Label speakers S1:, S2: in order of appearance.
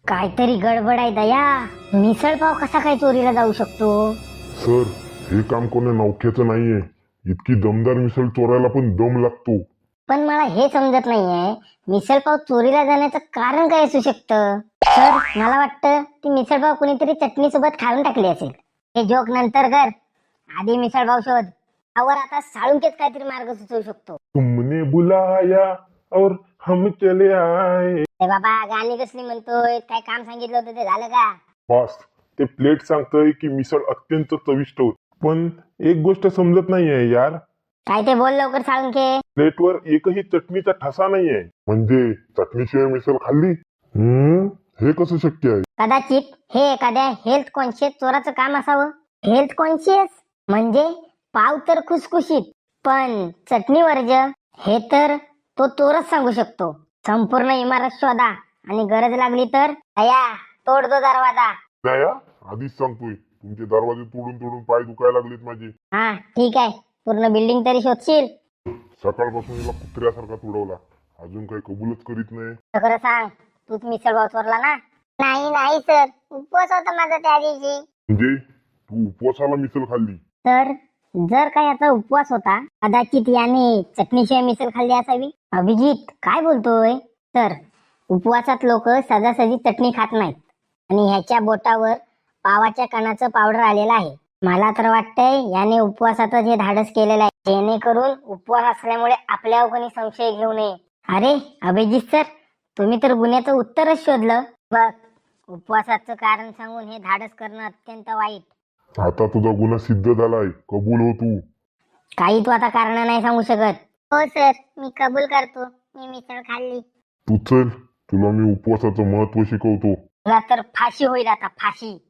S1: काहीतरी गडबड आहे दया. मिसळपाव कसा काय चोरीला जाऊ शकतो?
S2: सर, हे काम कोणी नौख्याचं नाहीये. इतकी दमदार मिसळ चोरायला पण दम लागतो.
S1: पण मला हे समजत नाहीये, मिसळपाव चोरीला जाण्याचं कारण काय असू शकतं? सर, मला वाटतं ती मिसळपाव कुणीतरी चटणी सोबत खाऊन टाकली असेल. हे जोक नंतर कर, आधी मिसळपाव शोध. आवर आता साळुंकेच काहीतरी मार्ग सुचवू शकतो.
S2: तुमने बुलाया और हम चले आए.
S1: ए बाबा, गाणी कसली म्हणतोय? काय काम सांगितलं होतं ते झालं का?
S2: बॉस, ते प्लेट सांगतंय की मिसळ अत्यंत चविष्ट होती. पण एक गोष्ट समजत नाहीये यार.
S1: काय ते बोल लवकर साळुंके.
S2: प्लेटवर एकही चटणीचा ठसा नाहीये. म्हणजे चटणीशिवाय मिसळ खाल्ली? हे कसं शक्य आहे?
S1: कदाचित हे एखाद्या हेल्थ कॉन्शियस चोराचं काम असावं. हेल्थ कॉन्शियस म्हणजे पाव तर खुसखुशीत, पण चटणी वर्ज हे तर तो चोरच सांगू शकतो. संपूर्ण इमारत शोधा आणि गरज लागली तर दया तोड दो दरवाजा.
S2: दया, आधीच सांगतोय, तुमचे दरवाजे तोडून तोडून पाय दुखायला लागलेत माझे.
S1: हा ठीक आहे, पूर्ण बिल्डिंग तरी शोधशील?
S2: सकाळपासून हिला कुत्र्यासारखा तुडवला, अजून काही कबूलच करीत नाही.
S1: खरं सांग, तूच मिसळपाव चोरला ना? नाही सर, उपवास होता माझा त्या दिवशी.
S2: म्हणजे तू उपवासाला मिसळ खाल्ली?
S1: तर जर का याचा उपवास होता, कदाचित याने चटणीशिवाय मिसळ खाल्ली असावी. अभिजित काय बोलतोय? तर उपवासात लोक सहजासहजी चटणी खात नाहीत आणि ह्याच्या बोटावर पावाच्या कणाचं पावडर आलेलं आहे. मला तर वाटतंय याने उपवासातच हे धाडस केलेलं आहे, जेणेकरून उपवास असल्यामुळे आपल्यावर कोणी संशय घेऊ नये. अरे अभिजित सर, तुम्ही तर गुन्ह्याचं उत्तरच शोधलं. बघ, उपवासाचं कारण सांगून हे धाडस करणं अत्यंत वाईट.
S2: आता तुझा गुन्हा सिद्ध झालाय, कबूल हो तू.
S1: काही तू आता कारण नाही सांगू शकत. हो सर, मी कबूल करतो, मी मिसळ खाल्ली.
S2: तू चल, तुला मी उपवासाचं महत्व शिकवतो.
S1: तुला तर फाशी होईल आता, फाशी.